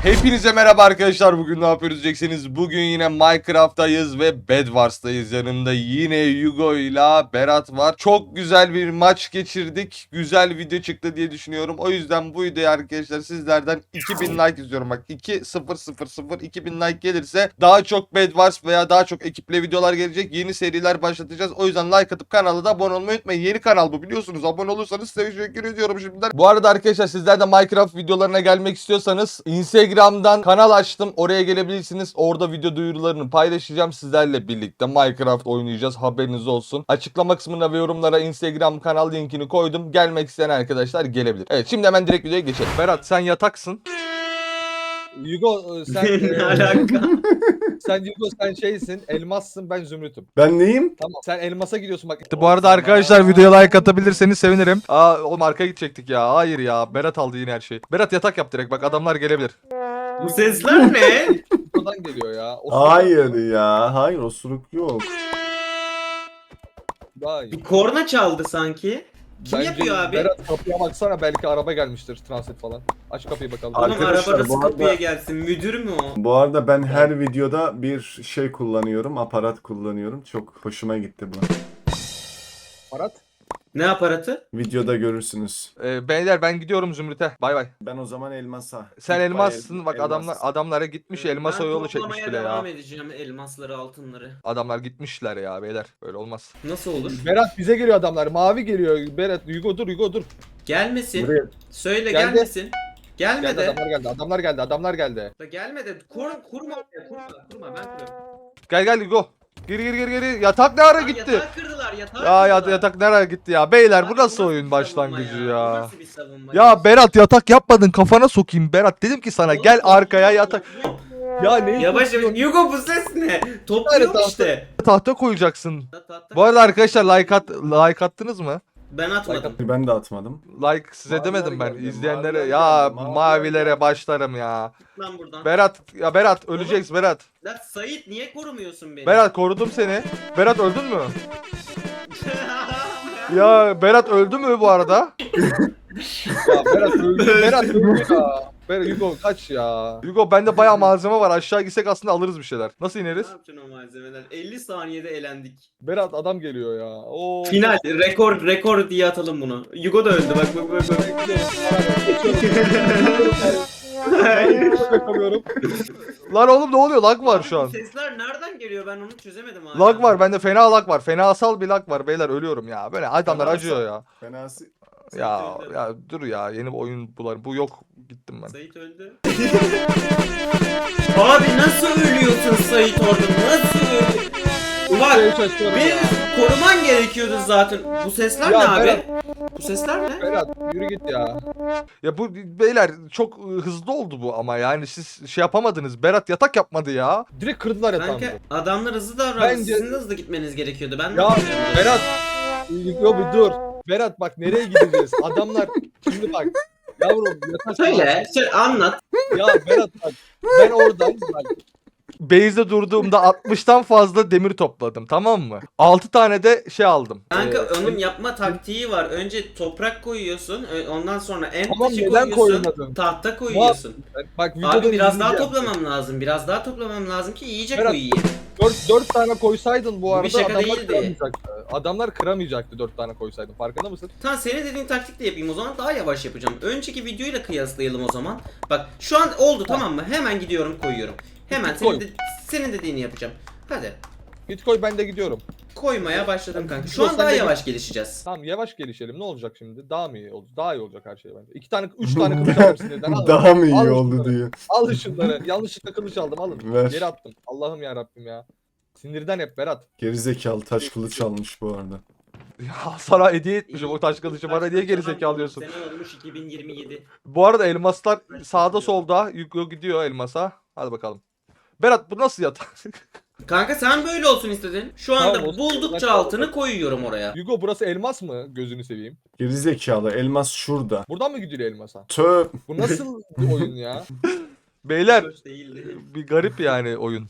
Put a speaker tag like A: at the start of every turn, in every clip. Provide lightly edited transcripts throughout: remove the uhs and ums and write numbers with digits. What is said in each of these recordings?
A: Hepinize merhaba arkadaşlar. Bugün ne yapıyoruz diyeceksiniz. Bugün yine Minecraft'tayız ve Bed Wars'tayız. Yanımda yine Hugo ile Berat var. Çok güzel bir maç geçirdik. Güzel video çıktı diye düşünüyorum. O yüzden bu videoyu arkadaşlar sizlerden 2000 like istiyorum. Bak 2000 like gelirse daha çok Bed Wars veya daha çok ekiple videolar gelecek. Yeni seriler başlatacağız. O yüzden like atıp kanala da abone olmayı unutmayın. Yeni kanal bu, biliyorsunuz. Abone olursanız size teşekkür ediyorum şimdiden. Bu arada arkadaşlar sizler de Minecraft videolarına gelmek istiyorsanız Instagram'dan kanal açtım. Oraya gelebilirsiniz. Orada video duyurularını paylaşacağım. Sizlerle birlikte Minecraft oynayacağız. Haberiniz olsun. Açıklama kısmına ve yorumlara Instagram kanal linkini koydum. Gelmek isteyen arkadaşlar gelebilir. Evet, şimdi hemen direkt videoya geçelim. Berat, sen yataksın.
B: Hugo sen
C: Ne alaka?
B: sen şeysin, elmassın, ben zümrütüm.
D: Ben neyim?
B: Tamam. Sen elmasa gidiyorsun bak.
A: Bu arada arkadaşlar videoya like atabilirseniz sevinirim. Oğlum arkaya gidecektik ya. Hayır ya. Berat aldı yine her şeyi. Berat yatak yap direkt. Bak adamlar gelebilir.
C: Bu sesler ne?
B: Oradan geliyor ya. O
D: Hayır ya. Hayır, osuruk yok.
B: Daha iyi.
C: Bir korna çaldı sanki. Kim
B: Bence
C: yapıyor abi?
B: Berat kapıya baksana, belki araba gelmiştir, transit falan. Aç kapıyı bakalım.
C: Oğlum
D: Arkadaşlar,
C: araba nasıl
D: bu arada-
C: kapıya gelsin? Müdür mü o?
D: Bu arada ben her videoda bir şey kullanıyorum. Aparat kullanıyorum. Çok hoşuma gitti bu.
B: Arat.
C: Ne aparatı?
D: Videoda görürsünüz.
A: Beyler ben gidiyorum Zümrüt'e. Bay bay.
D: Ben o zaman elmasa.
A: Sen
D: İlk
A: elmassın. Bak
D: elmas.
A: adamlara gitmiş, elmasa
C: Ben
A: yolu çekmiş
C: toplamaya
A: bile
C: devam
A: ya.
C: edeceğim elmasları, altınları.
A: Adamlar gitmişler ya beyler. Böyle olmaz.
C: Nasıl olur?
B: Berat bize geliyor adamlar. Mavi geliyor. Berat, Hugo dur.
C: Gelmesin.
B: Buraya.
C: Söyle
B: Geldi.
C: gelmesin.
B: Geldi,
C: Gelmedi.
B: adamlar geldi.
C: Da gelmedi. Kurma ben kuruyorum.
A: Gel Hugo. Gir. Yatak ne ara
C: Lan
A: gitti?
C: Yatağı kırdılar yatağı
A: Ya
C: kırdılar.
A: yatak nereye gitti ya? Beyler
C: Abi
A: bu nasıl
C: bir
A: oyun
C: savunma
A: başlangıcı
C: Bu
A: ya?
C: nasıl bir savunma
A: Ya Berat yatak yapmadın, kafana sokayım Berat. Dedim ki sana
C: Oğlum,
A: gel arkaya yatak.
B: Ya ne?
C: Yavaş Hugo bu ses ne? Topluyorum
B: Evet,
C: işte.
A: Tahta koyacaksın.
C: Ta-
A: Bu arada arkadaşlar like attınız mı?
C: Ben atmadım.
D: Ben de atmadım.
A: Like size
D: Maviler
A: demedim ben.
D: geldi,
A: İzleyenlere
D: maviler
A: ya
D: geldi, maviler
A: mavilere
D: geldi.
A: başlarım ya.
C: Lan buradan.
A: Berat öleceksin Berat.
C: Lan Sait niye korumuyorsun beni?
A: Berat korudum seni. Berat öldün mü? Ya Berat öldü mü bu arada?
B: Ya Berat öldü. Berat öldü ya. Berat Hugo kaç ya.
A: Hugo bende bayağı malzeme var. Aşağı gitsek aslında alırız bir şeyler. Nasıl
C: Ne
A: ineriz?
C: yapacaksın o malzemeler? 50 saniyede elendik.
B: Berat adam geliyor ya. Oo.
C: Final rekor diye atalım bunu. Hugo da öldü bak.
B: Bakamıyorum.
A: Lan oğlum ne oluyor? Lag var şu
C: Abi
A: an.
C: bu sesler nereden geliyor ben onu çözemedim hala.
A: Lag var. Bende fena lag var. Fenasal bir lag var. Beyler ölüyorum ya. Böyle adamlar
D: Fenasal.
A: acıyor ya.
D: Fenası.
A: Ya dur ya. Yeni bir oyun bular. Bu yok. Gittim ben.
C: Sait öldü. Abi nasıl ölüyorsun Sait orada? Nasıl ölüyorsun? Bak beni koruman gerekiyordu zaten. Bu sesler
B: Ya
C: ne abi?
B: Berat.
C: Bu sesler ne?
B: Berat yürü git ya.
A: Ya bu beyler çok hızlı oldu bu ama yani siz şey yapamadınız. Berat yatak yapmadı ya.
B: Direkt kırdılar yatağımızı.
C: Sanki adamlar hızlı davrandı.
B: Bence-
C: Sizin de hızlı gitmeniz gerekiyordu. Ben de
B: Ya
C: yapamıyorum.
B: Berat. Yo bir dur. Berat bak nereye gideceğiz? Adamlar şimdi bak. Yavrum yatak.
C: Söyle anlat.
B: Ya Berat bak. Ben oradan bak.
A: Base'de durduğumda 60'tan fazla demir topladım, tamam mı? 6 tane de şey aldım.
C: Kanka onun yapma taktiği var. Önce toprak koyuyorsun. Ondan sonra en
B: Tamam,
C: taşı
B: neden
C: koyuyorsun.
B: koymadın?
C: Tahta koyuyorsun.
B: Bak videoda
C: Abi biraz daha
B: izleyeceğim.
C: toplamam lazım. Biraz daha toplamam lazım ki iyice
B: Berat,
C: koyayım.
B: 4 tane koysaydın bu
C: Bu bir
B: arada
C: şaka
B: adamlar
C: değildi.
B: kıramayacaktı. Adamlar kıramayacaktı 4 tane koysaydın. Farkında mısın?
C: Tamam senin dediğin taktikle yapayım o zaman daha yavaş yapacağım. Önceki videoyla kıyaslayalım o zaman. Bak şu an oldu tamam mı? Hemen gidiyorum koyuyorum. Hemen
B: Koy.
C: senin dediğini yapacağım. Hadi.
B: Git koy, ben de gidiyorum.
C: Koymaya başladım kanka. Şu
B: Yok,
C: an
B: sen
C: daha
B: de
C: yavaş gelişeceğiz.
B: Tamam yavaş gelişelim. Ne olacak şimdi? Daha mı iyi oldu? Daha iyi olacak her şey bence. 3 tane kılıç aldım sinirden. Al.
D: Daha mı iyi
B: Al
D: oldu
B: şunları.
D: diyor.
B: Al şunları. Yanlışlıkla kılıç aldım, alın.
D: Ver.
B: Geri attım. Allah'ım ya Rabbim ya. Sinirden hep Berat.
D: Gerizekalı taş kılıç almış bu arada.
A: Ya sana hediye etmişim o taş kılıcı, bana niye geri zekalı alıyorsun?
C: Sene olmuş 2027.
A: Bu arada elmaslar sağda solda. Hugo gidiyor elmasa. Hadi bakalım. Berat bu nasıl yatak?
C: Kanka sen böyle olsun istedin. Şu anda
B: Tamam, olsun.
C: buldukça
B: Ben-
C: altını koyuyorum oraya.
B: Hugo burası elmas mı? Gözünü seveyim.
D: Gerizekalı elmas şurada.
B: Buradan mı gidiyor elmasa?
D: Töp.
B: Bu nasıl bir oyun ya?
A: Beyler
C: Hoş değildi.
A: bir garip yani oyun.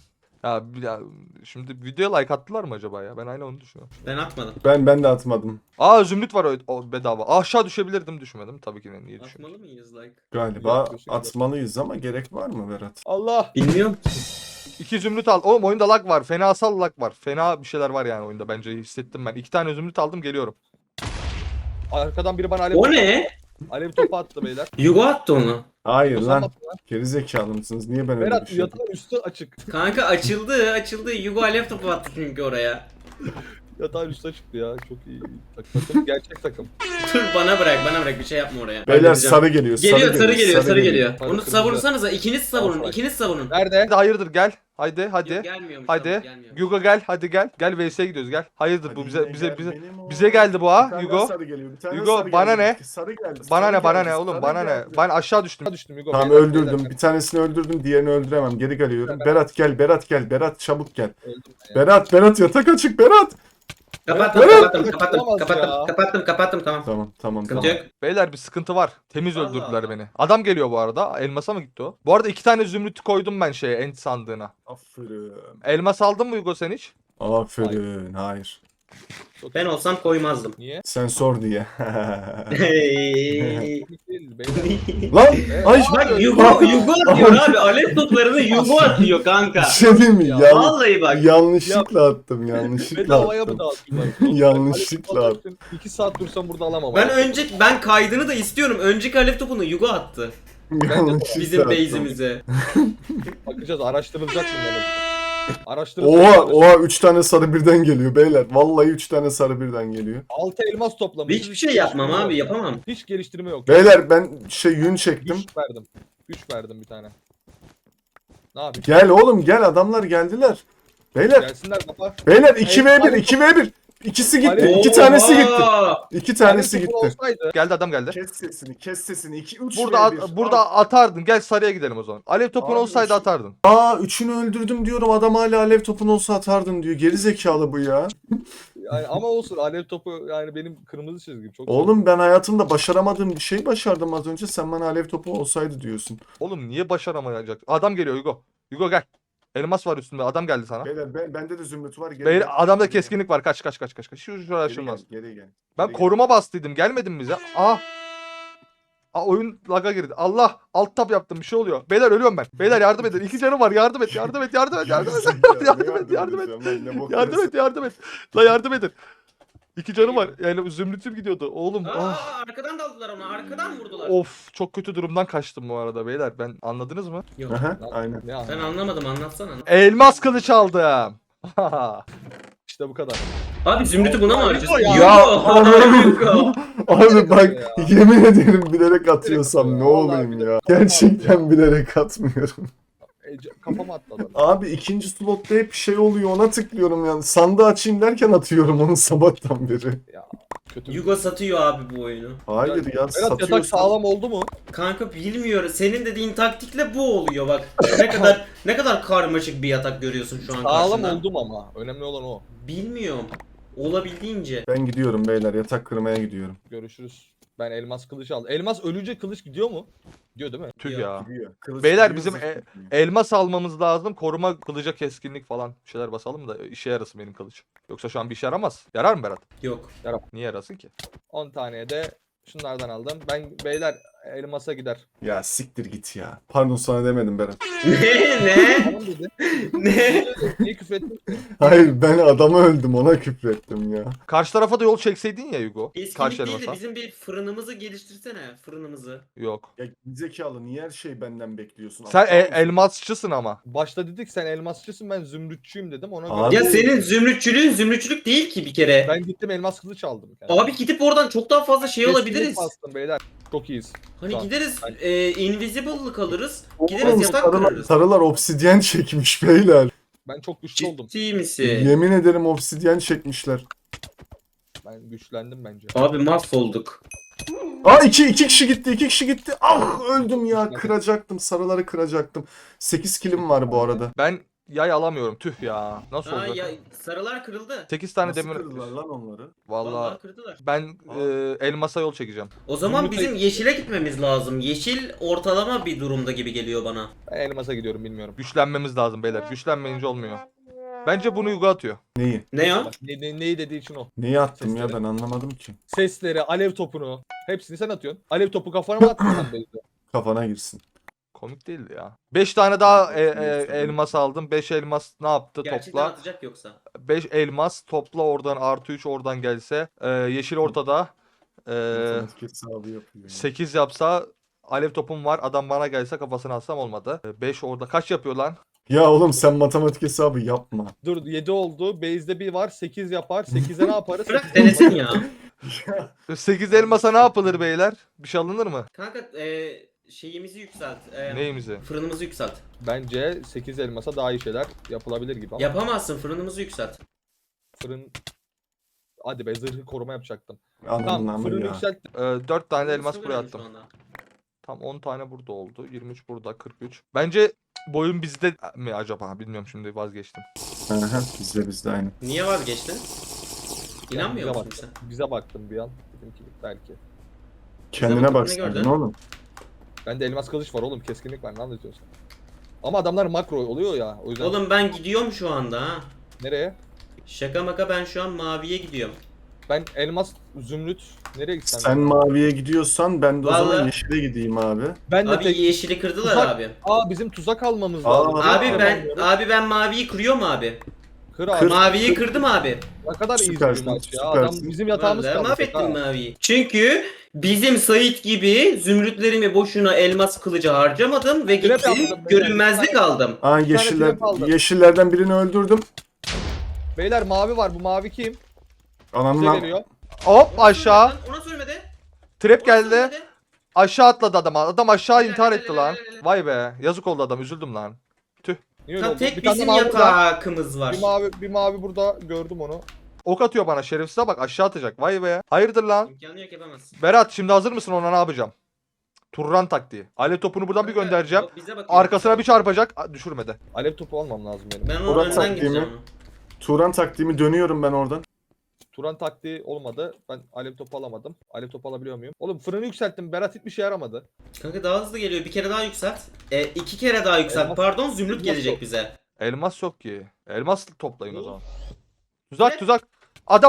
A: Ya şimdi videoya like attılar mı acaba ya? Ben aynı onu düşünüyorum.
C: Ben atmadım.
D: Ben de atmadım.
A: Aa zümrüt var o bedava. Aşağı düşebilirdim düşmedim. Tabii ki niye düşündüm.
C: Atmalı mıyız like?
D: Galiba
B: Yapıyorsun,
D: atmalıyız ama gerek var mı Berat?
B: Allah.
C: Bilmiyorum.
A: 2 zümrüt al. Oğlum oyunda lag var. Fenasal lag var. Fena bir şeyler var yani oyunda bence hissettim ben. 2 tane zümrüt aldım geliyorum.
B: Arkadan biri bana alev
C: O
B: topu
C: ne?
B: attı. Alev topu attı beyler.
C: Yugo attı onu.
D: Hayır
B: Sen
D: lan.
B: attın lan.
D: Gerizekalı mısınız? Niye ben öyle bir
B: Berat
D: şey
B: yatağın üstü açık.
C: Kanka açıldı. Yugo alev topu attı çünkü oraya.
B: Yatağın üstü açıktı ya. Çok iyi. Takım gerçek takım.
C: Dur bana bırak bir şey yapma oraya.
D: Beyler
C: Halledeceğim.
D: sarı geliyor.
C: Sarı geliyor.
B: Sarı,
C: Onu
B: kırmızı.
C: savursanıza ikiniz savurun.
B: Tamam.
C: İkiniz savurun.
B: Nerede?
A: Hadi hayırdır gel. Haydi.
C: Yok, gelmiyormuş.
A: Hadi.
C: Tamam, gelmiyormuş.
A: Hugo gel hadi gel. Gel VS'ye gidiyoruz gel. Hayırdır
D: Hadi
A: bu
D: yine
A: bize
D: gel benim o.
A: bize geldi bu
D: Bir
A: ha
D: tane
A: Hugo.
D: daha sarı geliyor, bir tane
A: Hugo,
D: sarı
A: bana
D: geldi.
A: ne?
D: Sarı geldi.
A: Bana
D: sarı
A: ne bana
D: geldi,
A: ne oğlum
D: sarı
A: bana ne?
D: geldi.
A: Ben aşağı düştüm.
B: Düştüm Hugo.
D: Tamam
B: beyler,
D: öldürdüm.
B: beyler.
D: Bir tanesini öldürdüm, diğerini öldüremem. Geri geliyorum.
B: Ben-
D: Berat gel, Berat gel. Berat çabuk gel.
B: Öldüm ben ya.
D: Berat yatak açık Berat.
C: Kapattım tamam.
D: Tamam.
C: Sıkıntı yok.
A: Beyler bir sıkıntı var. Temiz
C: Allah
A: öldürdüler
C: Allah.
A: beni. Adam geliyor bu arada. Elmasa mı gitti o? Bu arada 2 tane zümrüt koydum ben şeye end sandığına.
D: Aferin.
A: Elmas aldın mı Hugo sen hiç?
D: Aferin. Hayır.
B: Çok
C: Ben
B: iyi.
C: olsam koymazdım.
B: Niye?
D: Sen sor diye.
C: Hey.
B: Komik değil beyler.
D: Lan! Ay!
C: Bak Yugo atıyor abi. Alev toplarını Yugo atıyor kanka.
D: Bir şey diyeyim mi?
C: Vallahi bak.
D: Yanlışlıkla attım. Yanlışlıkla
B: Bedavaya mı
D: attım.
B: dağıtıyorlar?
D: Yanlışlıkla attım.
B: 2 saat dursam burada alamam.
C: Ben kaydını da istiyorum. Önceki alev topunu Yugo attı.
D: Yanlışlıkla
C: Bizim
D: attım.
C: base'imize.
B: Bakacağız araştırılacak bunlar. Araştırılacak.
D: Oha 3 tane sarı birden geliyor beyler. Vallahi 3 tane sarı birden geliyor.
B: 6 elmas toplamış.
C: Hiçbir şey yapmam abi, yapamam.
B: Hiç geliştirme yok.
D: Beyler ben yün çektim.
B: 3 verdim. 3 verdim bir tane. Ne yapayım?
D: Gel oğlum gel, adamlar geldiler. Beyler
B: Gelsinler baba.
D: beyler 2v1 2v1. İkisi gitti.
B: Alev-
D: 2 tanesi gitti.
C: Oo!
D: 2 tanesi
B: Alev topu
D: gitti.
B: olsaydı.
A: Geldi adam geldi.
D: Kes sesini. 2 3
A: Burada atardın. Gel sarıya gidelim o zaman. Alev topun
D: Abi,
A: olsaydı
D: şu-
A: atardın.
D: Aa 3'ünü öldürdüm diyorum, adam hala alev topun olsa atardın diyor. Geri zekalı bu ya.
B: Yani ama olsun alev topu yani benim kırmızı çizgim çok.
D: Oğlum ben hayatımda başaramadığım bir şey başardım az önce. Sen bana alev topu olsaydı diyorsun.
A: Oğlum niye başaramayacak? Adam geliyor Hugo. Hugo gel. Elmas var üstünde. Adam geldi sana.
D: Beyler bende de zümrüt var. Geri
A: Beyler
D: gel.
A: adamda
D: Geri gel.
A: keskinlik var. Kaç. Şu aşılmaz.
D: Geri gel.
A: Ben
D: Geri
A: koruma bastıydım. Gelmedin mi bize? Oyun laga girdi. Allah alt tab yaptım. Bir şey oluyor. Beyler ölüyorum ben. Beyler yardım edin. 2 canım var. Yardım et. Yardım et. Yardım et. Yardım et. Yardım et. Yardım et. Yardım et. Yardım et. La yardım edin. 2 canım var. Yani zümrütüm gidiyordu. Oğlum.
C: Arkadan daldılar onu. Arkadan vurdular.
A: Of çok kötü durumdan kaçtım bu arada beyler. Ben anladınız mı?
C: Yok.
D: Aha, aynen.
B: Ne
C: Ben anlamadım, anlatsana.
A: Elmas kılıç aldım.
B: İşte bu kadar.
C: Abi zümrütü buna mı harcıyorsun?
B: Ya.
C: Yugo.
D: Abi bak
B: Ya.
D: yemin ederim bilerek atıyorsam ne
B: Vallahi
D: olayım
B: bilerek
D: ya.
B: atmam
D: Gerçekten bilerek atmıyorum.
B: Kafama attı adam.
D: Abi ikinci slotta hep şey oluyor, ona tıklıyorum yani. Sandığı açayım derken atıyorum onu sabahtan beri.
B: Ya kötü.
C: Yugo satıyor abi bu oyunu.
D: Hayır ya
B: Berat yatak
D: satıyorsan.
B: sağlam oldu mu?
C: Kanka bilmiyorum. Senin dediğin taktikle bu oluyor bak. Ne kadar karmaşık bir yatak görüyorsun şu an
B: Sağlam
C: karşında.
B: oldum ama. Önemli olan o.
C: Bilmiyorum. Olabildiğince.
D: Ben gidiyorum beyler, yatak kırmaya gidiyorum.
B: Görüşürüz. Ben elmas kılıç aldım. Elmas ölünce kılıç gidiyor mu? Gidiyor değil mi?
A: Tüh
C: Yok.
A: ya.
D: Gidiyor. Kılıç
A: Beyler,
D: gidiyor,
A: bizim
D: zırh gitmiyor.
A: Elmas almamız lazım. Koruma, kılıca keskinlik falan. Bir şeyler basalım da işe yarasın benim kılıç. Yoksa şu an bir işe yaramaz. Yarar mı Berat?
C: Yok.
A: Niye yarasın ki?
B: 10 taneye de şunlardan aldım. Ben beyler elmasa gider.
D: Ya siktir git ya. Pardon sana demedim Berat.
C: Ne?
B: Tamam dedi.
C: Ne?
B: Niye küfür ettin?
D: Hayır ben adamı öldüm, ona küfrettim ya.
A: Karşı tarafa da yol çekseydin ya Hugo. Karşı
C: Eskinlik değil de
A: elmasa.
C: bizim bir fırınımızı geliştirsene. Fırınımızı.
A: Yok.
D: Ya zekalı niye her şeyi benden bekliyorsun?
A: Sen
D: Aptal mısın?
A: elmasçısın ama.
B: Başta dedik sen elmasçısın ben zümrütçüyüm dedim. Ona
D: Abi-
B: göre
C: Ya senin zümrütçülüğün zümrütçülük değil ki bir kere.
B: ben gittim elmas kılıç aldım. Yani.
C: Abi gidip oradan çok daha fazla şey
B: Keskinlik
C: olabiliriz.
B: bastım beyler. Çok iyiyiz.
C: Hani
B: Tamam.
C: gideriz invisible'lık alırız.
D: Oğlum,
C: Gideriz yatak
D: sarılar,
C: kurarız.
D: sarılar obsidyen çekmiş beyler.
B: Ben çok güçlü oldum.
C: Ciddi misin?
D: Yemin ederim obsidyen çekmişler.
B: Ben güçlendim bence.
C: Abi mahvolduk.
D: Aa iki kişi gitti, 2 kişi gitti. Ah öldüm ya, kıracaktım, sarıları kıracaktım. 8 kilim var bu arada.
A: Ben yay alamıyorum. Tüh ya. Nasıl
C: Aa
A: olacak?
C: ya sarılar kırıldı.
A: 8 tane
D: Nasıl
A: demir.
D: kırdılar lan onları?
C: Vallahi
A: Vallahi
C: kırdılar.
A: ben elmasa yol çekeceğim.
C: O zaman
B: Zümrüt
C: bizim yeşile gitmemiz lazım. Yeşil ortalama bir durumda gibi geliyor bana.
B: Ben elmasa gidiyorum bilmiyorum.
A: Güçlenmemiz lazım beyler. Güçlenmeyince olmuyor. Bence bunu Yugo atıyor.
D: Neyi?
C: Ne ya?
B: Bak, neyi dediği için o.
D: Neyi attım ya
B: Sesleri.
D: ben anlamadım ki.
B: Sesleri, alev topunu. Hepsini sen atıyorsun. Alev topu kafana mı attın sen Beyza?
D: Kafana girsin.
A: Komik değildi ya. 5 tane daha elmas aldım. 5 elmas ne yaptı
C: Gerçekten
A: topla?
C: atacak yoksa.
A: 5 elmas topla oradan artı 3 oradan gelse. Yeşil ortada.
D: Matematik hesabı yapıyor.
A: 8 yapsa alev topum var. Adam bana gelse kafasını atsam olmadı. 5 orada. Kaç yapıyor lan?
D: Ya oğlum sen matematik hesabı yapma.
B: Dur 7 oldu. Base'de bir var. 8 yapar. 8'e ne yaparız?
C: Bırak denesin ya.
A: 8 elmasa ne yapılır beyler? Bir şey alınır mı?
C: Kanka şeyimizi yükselt.
A: Neyimizi?
C: Fırınımızı yükselt.
B: Bence 8 elmasa daha iyi şeyler yapılabilir gibi ama
C: Yapamazsın, fırınımızı yükselt.
B: fırın... Hadi be zırhı koruma yapacaktım.
D: Anladın
B: Tamam
D: ama
B: fırını
D: ya.
B: yükselt.
A: 4 tane
C: Fırınımız
A: elmas
C: çok
A: buraya
C: önemli şu
A: attım.
C: anda.
A: Tam 10 tane burada oldu. 23 burada, 43. Bence boyun bizde mi acaba? Bilmiyorum, şimdi vazgeçtim.
D: Aha, bizde aynı.
C: Niye vazgeçtin? İnanmıyor
B: bize
C: musun
B: baktım.
C: sen?
B: Bize baktım bir an. Dedim ki belki.
D: Kendine
C: bakıp ne
D: baksaydın
C: gördün?
D: oğlum.
B: Bende elmas kılıç var oğlum. Keskinlik var. Ne anlatıyorsun? Ama adamlar makro oluyor ya. O yüzden
C: Oğlum ben gidiyorum şu anda ha.
B: nereye?
C: Şaka maka ben şu an maviye gidiyorum.
B: Ben elmas, zümrüt nereye gitsem?
D: Sen maviye gidiyorsan ben de o zaman
C: Vallahi-
D: yeşile gideyim abi.
B: Ben de
C: Abi
B: tek...
C: yeşili kırdılar
B: Tuzak-
C: abi.
B: Bizim tuzak almamız
D: Aa,
B: lazım.
C: Abi
D: Tamam,
C: ben maviyi kırıyorum abi.
B: Kır abi.
D: Kır.
C: Maviyi kırdım abi.
B: Ne kadar iyi bir
D: Süpersin,
B: maç ya.
D: süpersin.
B: Adam bizim yatağımız
C: Vallahi
B: kaldı.
C: mahvettim maviyi. Çünkü bizim Sait gibi zümrütlerimi boşuna elmas kılıcı harcamadım ve
B: Trap
C: gittim
B: yaptım beyler.
C: görünmezlik aldım.
D: Aa
B: tane trap aldım.
D: yeşillerden birini öldürdüm.
B: Beyler mavi var. Bu mavi kim?
D: Ananın
B: Bize
D: am-
B: geliyor.
A: Hop
C: Ona
A: aşağı.
C: söylemedi lan, Ona söylemedi.
A: Trap
C: Ona
A: geldi.
C: söylemedi.
A: Aşağı atladı adam. Adam aşağı
C: Helal,
A: intihar
C: helal,
A: etti lan.
C: helal, helal.
A: Vay be. Yazık oldu adam. Üzüldüm lan.
B: Niye öyle
C: Tam
B: oldu?
C: tek
B: Bir tane
C: bizim
B: mavi burada.
C: yatakımız var.
B: Bir mavi burada gördüm onu.
A: Ok atıyor bana. Şerefsize bak, aşağı atacak. Vay be. Hayırdır lan?
C: İmkanı yok yapamazsın.
A: Berat şimdi hazır mısın, ona ne yapacağım? Turran taktiği. Alev topunu buradan bir göndereceğim.
C: Bize bakıyor.
A: Arkasına bir çarpacak. Düşürmedi.
B: Alev topu almam lazım benim.
C: Ben onun
D: Murat
C: önden
D: taktiği
C: gideceğim.
D: mi?
C: onu.
D: Turan taktiğimi dönüyorum ben oradan.
B: Turan taktiği olmadı. Ben alev topu alamadım. Alev topu alabiliyor muyum? Oğlum fırını yükselttim. Berat hiçbir şey yaramadı.
C: Kanka daha hızlı geliyor. Bir kere daha yükselt. 2 kere daha yükselt.
B: Elmas-
C: Pardon zümrüt
B: elmas
C: gelecek
B: yok.
C: bize.
A: Elmas yok ki. Elmas toplayın o
C: Ne?
A: zaman. Tuzak
C: Ne?
A: tuzak. Adam.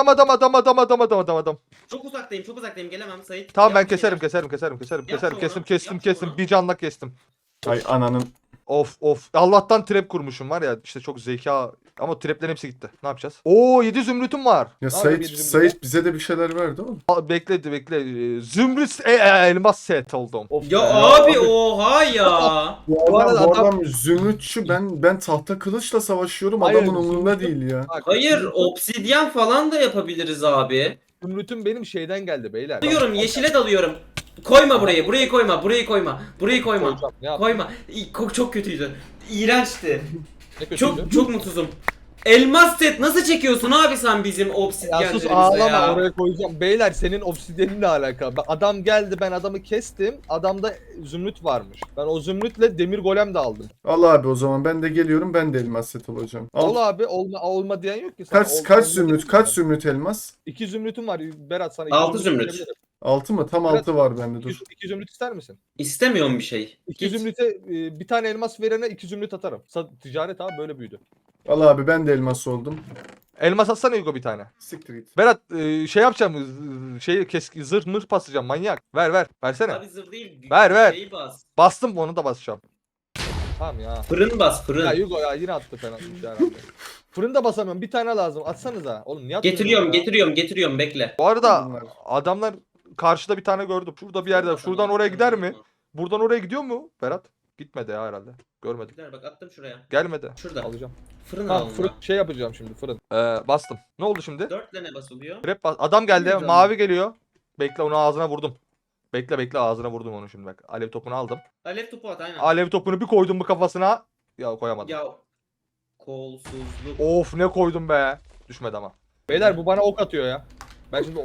C: Çok uzaktayım gelemem Sait.
A: Tamam,
C: Yap
A: ben
C: bir
A: keserim
C: şeyler.
A: kestim.
C: Yap şunu.
A: Bir canlak kestim.
D: Ay ananın.
A: Of. Allah'tan trap kurmuşum var ya, işte çok zeka. Ama traplerin hepsi gitti. Ne yapacağız? Oo 7 zümrütüm var.
D: Ya
B: yapayım bizim
D: Sait bize de bir şeyler verdi oğlum.
A: Bekle. Zümrüt elmas set oldum.
B: Of
C: Ya
B: be.
C: abi oha ya.
D: Bu
B: arada
D: adam zümrütçü, ben tahta kılıçla savaşıyorum,
B: Hayır,
D: adamın umurunda
B: zümrüt-
D: değil ya.
B: Bak,
C: Hayır obsidyen falan da yapabiliriz abi.
B: Zümrütüm benim şeyden geldi beyler.
C: Dalıyorum yeşile dalıyorum. Koyma burayı koyma.
B: Koyacağım, ne yap-
C: Koyma. Çok kötüydü. İğrençti.
B: Ne kötüydü?
C: Çok mutsuzum. Elmas set nasıl çekiyorsun abi sen bizim
B: Ya sus
C: obsidyenlerimize
B: ağlama
C: ya?
B: oraya koyacağım. Beyler senin obsidyeninle alakalı. Adam geldi, ben adamı kestim. Adamda zümrüt varmış. Ben o zümrütle demir golem de aldım.
D: Al abi o zaman ben de geliyorum, ben de elmas set olacağım. Al.
B: Ol abi olma diyen yok ki. Sana
D: Kaç
B: olma
D: zümrüt,
B: diyen
D: kaç
B: yok.
D: zümrüt elmas?
B: 2 zümrütüm var Berat sana.
C: 6 zümrüt.
B: verebilirim.
D: 6 mı? Tam
B: Evet.
D: 6 var bende, dur.
B: 2 zümrüt ister misin?
C: İstemiyorum bir şey.
B: 2
C: Git.
B: zümrüte bir tane elmas verene 2 zümrüt atarım. Ticaret abi böyle büyüdü.
D: Al abi ben de elmas oldum.
A: Elmas atsana Hugo bir tane.
D: Siktir git.
A: Berat şey yapacağım. Zırh mırh basacağım manyak. Ver. Versene.
C: Abi zırh değil.
A: Ver.
C: Şeyi bas.
A: Bastım, onu da basacağım.
B: Tamam ya.
C: Fırın bas
B: Ya
C: fırın.
B: Hugo ya yine attı fena herhalde. Fırında basamıyorum. Bir tane lazım. Atsanıza. Oğlum niye atmıyorsun
C: Getiriyorum bekle.
A: Bu arada
D: Bunlar.
A: adamlar karşıda bir tane gördüm. Şurada bir yerde. Şuradan oraya gider mi? Buradan oraya gidiyor mu Berat? Gitmedi ya herhalde. Görmedim.
C: Gider bak attım şuraya.
A: Gelmedi.
C: Şurada.
B: Alacağım.
C: Fırın
B: Ha
C: al
B: fırın şey yapacağım şimdi fırın.
A: Bastım. Ne oldu şimdi?
C: 4 tane basılıyor.
A: Trap adam geldi.
D: Bilmiyorum.
A: Mavi geliyor. Bekle, onu ağzına vurdum. Bekle ağzına vurdum onu şimdi bak. Alev topunu aldım.
C: Alev topu at aynen.
A: Alev topunu bir koydum bu kafasına. Ya koyamadım.
C: Ya kolsuzluk.
A: Of ne koydum be. Düşmedi ama.
B: Beyler bu bana ok atıyor ya. Ben şimdi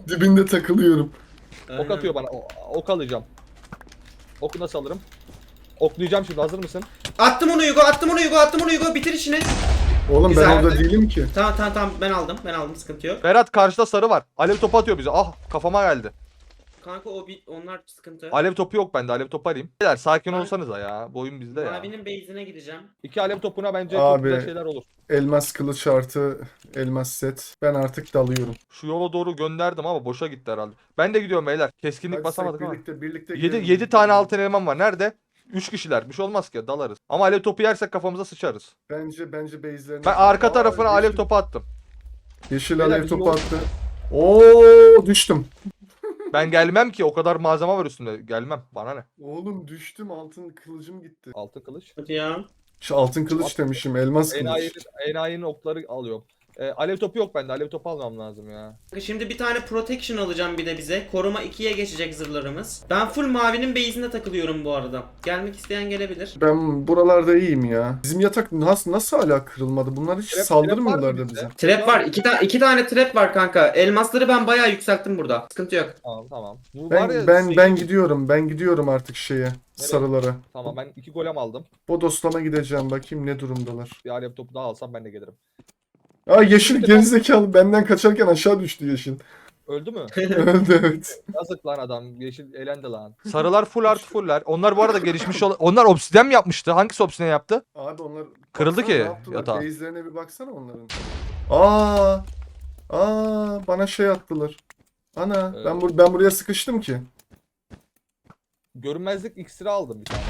D: Dibinde takılıyorum.
B: ok atıyor bana. Ok alacağım. Oku nasıl alırım? Oklayacağım şimdi, hazır mısın?
C: Attım onu Hugo, attım onu Hugo, attım onu Hugo. Bitir işini.
D: Oğlum
C: Güzel.
D: ben orada değilim ki.
C: Tamam ben aldım sıkıntı yok.
A: Berat karşıda sarı var. Alev topu atıyor bize. Ah kafama geldi.
C: Kanka onlar sıkıntı.
A: Alev topu yok bende. Alev topu alayım. Beyler sakin
C: Ben-
A: olsanıza ya. Bu oyun bizde ya.
C: Mavinin base'ine gideceğim.
B: 2 alev topuna bence
D: Abi.
B: çok güzel şeyler olur.
D: Elmas kılıç artı elmas set. Ben artık dalıyorum.
A: Şu yola doğru gönderdim ama boşa gitti herhalde. Ben de gidiyorum beyler. Keskinlik
D: Hadi
A: basamadık ama.
D: birlikte
A: 7 tane altın elman var. Nerede? 3 kişiler. Bir şey olmaz ki. Dalarız. Ama alev topu yersek kafamıza sıçarız.
D: Bence base'lerine.
A: Ben arka
D: Aa,
A: tarafına alev
D: yeşil-
A: topu attım.
D: Yeşil
B: Beyler,
D: alev
B: bizim
D: topu
B: yol-
D: attı. Oo düştüm.
A: Ben gelmem ki. O kadar malzeme var üstünde. Gelmem. Bana ne?
D: Oğlum düştüm, altın kılıcım gitti.
B: Altın kılıç.
C: Hadi ya.
D: Şu altın kılıç demişim, elmas kılıç.
B: Enayi'nin okları alıyorum. Alev topu yok bende. Alev topu almam lazım ya.
C: Şimdi bir tane protection alacağım bir de bize. Koruma 2'ye geçecek zırhlarımız. Ben full mavinin base'inde takılıyorum bu arada. Gelmek isteyen gelebilir.
D: Ben buralarda iyiyim ya. Bizim yatak nasıl hala kırılmadı? Bunlar hiç
B: Trap
D: saldırmıyorlar
B: var mı
D: da
B: bizde?
D: bize.
C: Trap var. İki tane trap var kanka. Elmasları ben bayağı yükselttim burada. Sıkıntı yok.
B: Tamam. Bu var ya,
D: Ben gidiyorum artık şeye, sarılara.
B: Tamam, ben 2 golem aldım.
D: Bodoslama gideceğim, bakayım ne durumdalar.
B: Bir alev topu daha alsam ben de gelirim.
D: Aa yeşil gerizekalı, benden kaçarken aşağı düştü yeşil.
B: Öldü mü?
D: Öldü evet.
B: Yazık lan adam. Yeşil elendi lan.
A: Sarılar full artı fuller. Onlar bu arada gelişmiş onlar obsidyen mi yapmıştı? Hangisi obsidyen yaptı?
D: Abi onlar
A: Kırıldı
D: baksana
A: ki
D: ne yaptılar?
A: yatağı.
D: Base'lerine bir baksana onların. Aa bana şey attılar. Ana ben buraya sıkıştım ki.
B: Görünmezlik iksiri aldım bir tane.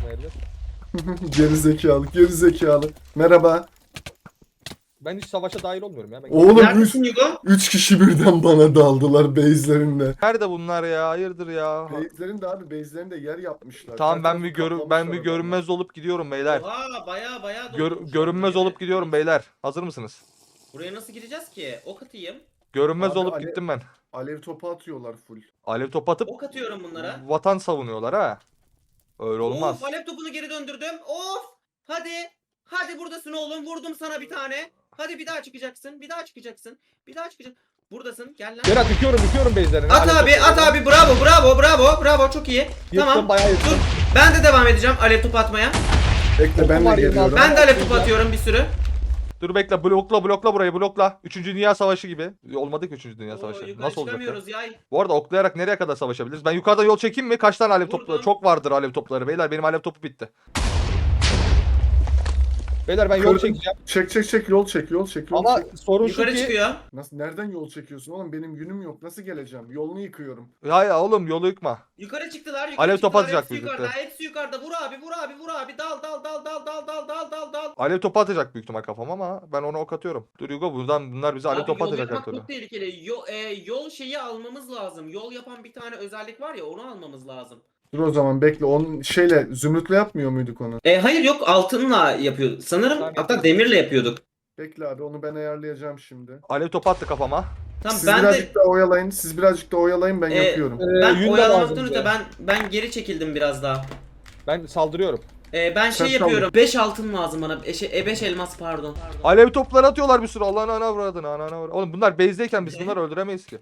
D: Gerizekalı. Merhaba.
B: Ben hiç savaşa dahil olmuyorum ya. Ben
D: Oğlum
C: Neredesin Hugo?
D: 3 kişi birden bana daldılar base'lerinde.
A: Nerede bunlar ya? Hayırdır ya?
D: Base'lerinde yer yapmışlar.
A: Tamam
D: Her
A: ben
D: tarafı
A: bir
D: kaplamışlar
A: görünmez olup gidiyorum beyler.
C: Oha bayağı doldurmuş.
A: Görünmez olup gidiyorum beyler. Hazır mısınız?
C: Buraya nasıl gireceğiz ki? Ok atayım.
A: Görünmez
D: Abi,
A: olup gittim ben.
D: Alev topu atıyorlar full.
A: Alev top atıp
C: Ok atıyorum bunlara.
A: vatan savunuyorlar ha. Öyle olmaz.
C: Of alev topunu geri döndürdüm. Of. Hadi. Hadi buradasın oğlum. Vurdum sana bir tane. Hadi bir daha çıkacaksın. Bir daha çıkacaksın. Buradasın. Gel lan.
B: Berat yıkıyorum base'lerini.
C: At abi. Bravo. Çok iyi.
B: Yıktım,
C: Tamam.
B: bayağı yıktım.
C: Dur. Ben de devam edeceğim alev topu atmaya.
D: Bekle ben de
B: var
D: geliyorum.
B: yanında.
C: Ben de alev topu atıyorum bir sürü.
A: Dur bekle blokla burayı blokla. 3. Dünya Savaşı gibi. Olmadı ki 3. Dünya
C: Oo,
A: Savaşı.
C: yukarı
A: Nasıl olacak ya?
C: çıkamıyoruz ya.
A: Bu arada oklayarak nereye kadar savaşabiliriz? Ben yukarıdan yol çekeyim mi? Kaç tane alev
C: Vurdum.
A: topları? Çok vardır alev topları. Beyler benim alev topu bitti.
B: Beyler ben yol çekeceğim.
D: Çek yol çek.
B: Ama sorun şu
C: Yukarı
B: ki
C: çıkıyor.
D: Nereden yol çekiyorsun oğlum? Benim günüm yok. Nasıl geleceğim? Yolunu yıkıyorum.
A: Ya oğlum yolu yıkma.
C: Yukarı çıktılar.
A: Alev topu
C: çıktılar.
A: atacak
C: Hepsi
A: birlikte.
C: yukarıda. Hepsi yukarıda. Vur abi. Dal.
A: Alev topu atacak büyük ihtimal kafam ama ben onu ok atıyorum. Dur Hugo bunlar bize alev
C: Abi
A: topu
C: yol
A: atacak her
C: yapmak
A: türlü.
C: çok tehlikeli. Yol şeyi almamız lazım. Yol yapan bir tane özellik var ya, onu almamız lazım.
D: Dur o zaman bekle. Onun zümrütle yapmıyor muyduk onu?
C: Hayır yok, altınla yapıyor. Sanırım
B: Tamam,
C: hatta demirle yapıyorduk.
D: Bekle abi, onu ben ayarlayacağım şimdi.
A: Alev topu attı kafama.
C: Tamam
D: Siz
C: ben de
D: birazcık daha oyalayın. Ben yapıyorum.
C: ben
B: yün de
C: oyalamaktan
B: lazım
C: öte
B: bize.
C: ben geri çekildim biraz daha.
B: Ben saldırıyorum.
C: Ben
D: Sen
C: yapıyorum. 5 altın lazım bana. 5 elmas pardon.
A: Alev topları atıyorlar bir sürü. Allah'ın ana avradını. Oğlum bunlar base'deyken biz bunları öldüremeyiz ki.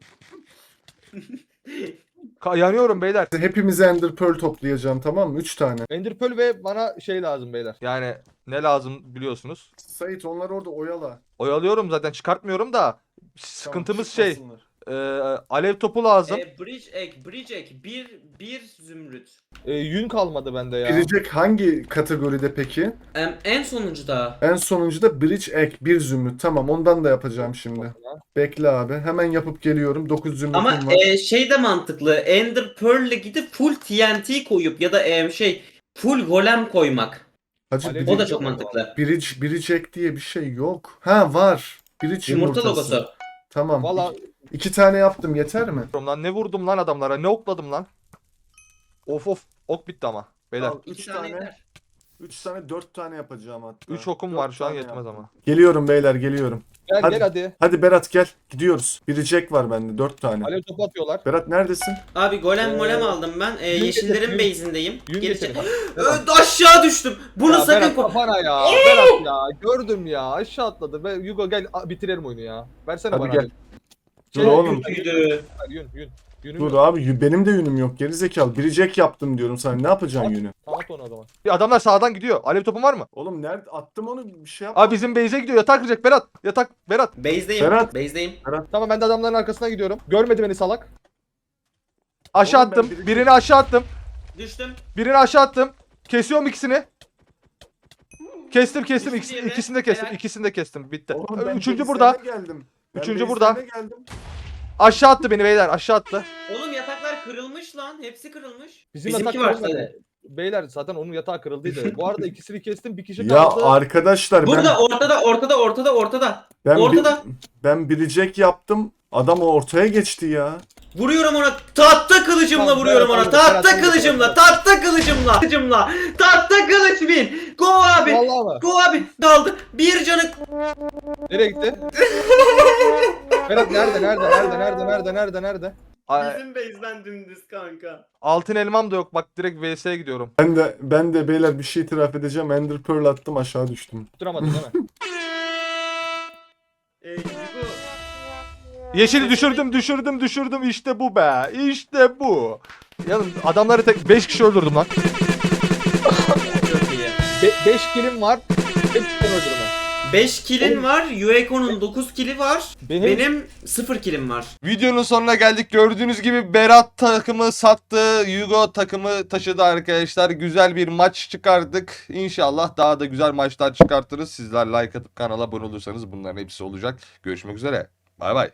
A: Yanıyorum beyler.
D: Hepimize Ender Pearl toplayacağım, tamam mı? 3 tane.
B: Ender Pearl ve bana şey lazım beyler.
A: Yani ne lazım biliyorsunuz.
D: Sait onlar orada oyala.
A: Oyalıyorum zaten çıkartmıyorum da. Sıkıntımız
D: Tamam,
A: şey.
D: çıkmasınlar.
A: Alev topu lazım.
C: Bridge egg. Bir zümrüt.
B: Yün kalmadı bende ya.
D: Girecek hangi kategoride peki?
C: En sonuncuda.
D: En sonuncuda Bridge Egg 1 zümrüt. Tamam, ondan da yapacağım şimdi. Bekle abi. Hemen yapıp geliyorum. 9 zümrütüm
C: Ama
D: var.
C: şey de mantıklı. Ender Pearl'le gidip full TNT koyup ya da full golem koymak.
D: Hacı
B: Alev-
C: O da
D: Bridge,
C: çok mantıklı.
D: Bridge Egg diye bir şey yok. Ha var. Bridge
C: Yumurta
D: yumurtası.
C: logosu.
D: Tamam.
B: Valla
D: 2 tane yaptım, yeter mi?
A: Lan ne vurdum lan adamlara? Ne okladım lan? Of ok bitti ama. Beyler.
D: Al,
C: 2
D: üç
C: tane
D: tane.
C: yeter.
D: 3 tane 4 tane yapacağım hatta.
A: 3 okum
D: Dört
A: var şu an
D: tane
A: yetmez
D: yaptım.
A: ama.
D: Geliyorum beyler, geliyorum.
B: gel
D: Hadi.
B: gel hadi.
D: Hadi Berat gel. Gidiyoruz. Bridge Egg var bende 4 tane.
B: Alev topu atıyorlar.
D: Berat neredesin?
C: Abi golem aldım ben.
B: Yün
C: Yeşillerin
B: getir,
C: base'indeyim.
B: Yün
C: Geri
B: getirin.
C: Aşağı düştüm. Bunu
B: Ya
C: sakın
B: Berat
C: koy.
B: kafana ya. Berat ya. Gördüm ya. Aşağı atladı. Hugo gel bitirelim oyunu ya. Versene
D: Hadi
B: bana.
D: gel.
B: Alev.
D: Dur oğlum.
C: Kötüydü.
B: Yün. Yünüm
D: Dur
B: yok.
D: abi benim de yünüm yok geri zekalı. Birecek yaptım diyorum sana. Ne yapacaksın
B: At.
D: yünü?
B: At onu o zaman.
A: Bir adamlar sağdan gidiyor. Alev topun var mı?
D: Oğlum nerede attım onu bir şey yap.
A: Abi bizim base'e gidiyor. Yatak kıracak Berat. Yatak Berat.
C: Base'deyim.
D: Berat.
C: Base'deyim.
B: Tamam ben de adamların arkasına gidiyorum. Görmedi beni salak.
A: Aşağı
D: Oğlum ben
A: attım.
D: birinci-
A: Birini aşağı attım.
C: Düştüm.
A: Birini aşağı attım. Kesiyorum ikisini. Kestim
C: Düştü
A: ikisini,
C: diğeri.
A: ikisini de kestim.
C: Helal.
A: İkisini de kestim. Bitti.
D: Oğlum ben
A: Üçüncü
D: base'lerine
A: burada.
D: Geldim. Ben
A: Üçüncü
D: base'lerine
A: burada.
D: Geldim.
A: Aşağı attı beni beyler. Aşağı attı.
C: Oğlum yataklar kırılmış lan. Hepsi kırılmış.
B: Bizim
C: Bizimki
B: yatak
C: var
B: kırılmadı.
C: sadece.
B: Beyler zaten onun yatağı kırıldıydı. Bu arada ikisini kestim bir kişi
D: Ya
B: kaldı.
D: arkadaşlar
C: Burada ortada.
D: ben
C: Ortada.
D: ben birecek yaptım. Adam ortaya geçti ya.
C: Vuruyorum ona. Tahta kılıcımla
B: Tamam,
C: vuruyorum
B: Berat
C: ona.
B: aldı,
C: Tahta
B: Berat aldı,
C: kılıcımla.
B: Berat
C: Tahta kılıcımla. Tahta kılıç bin. Go abi.
B: Vallahi mı?
C: Go abi. Daldı. Bir canı.
B: Nereye gitti? Berat nerede?
C: Bizim base'den dümdüz kanka.
A: Altın elmam da yok. Bak direkt VS'ye gidiyorum.
D: Ben de beyler bir şey itiraf edeceğim. Ender Pearl attım aşağı düştüm.
B: Tutturamadın değil mi?
C: Yugo.
A: Yeşili düşürdüm. İşte bu be. İşte bu. Yalnız adamları tek 5 kişi öldürdüm lan.
C: Çok iyi.
B: 5 kilim var. Hepsinden öldürme.
C: 5 kill'in var. Yueko'nun 9 kill'i var.
B: Benim-
C: Benim 0 kill'im var.
A: Videonun sonuna geldik. Gördüğünüz gibi Berat takımı sattı. Hugo takımı taşıdı arkadaşlar. Güzel bir maç çıkardık. İnşallah daha da güzel maçlar çıkartırız. Sizler like atıp kanala abone olursanız bunların hepsi olacak. Görüşmek üzere. Bay bay.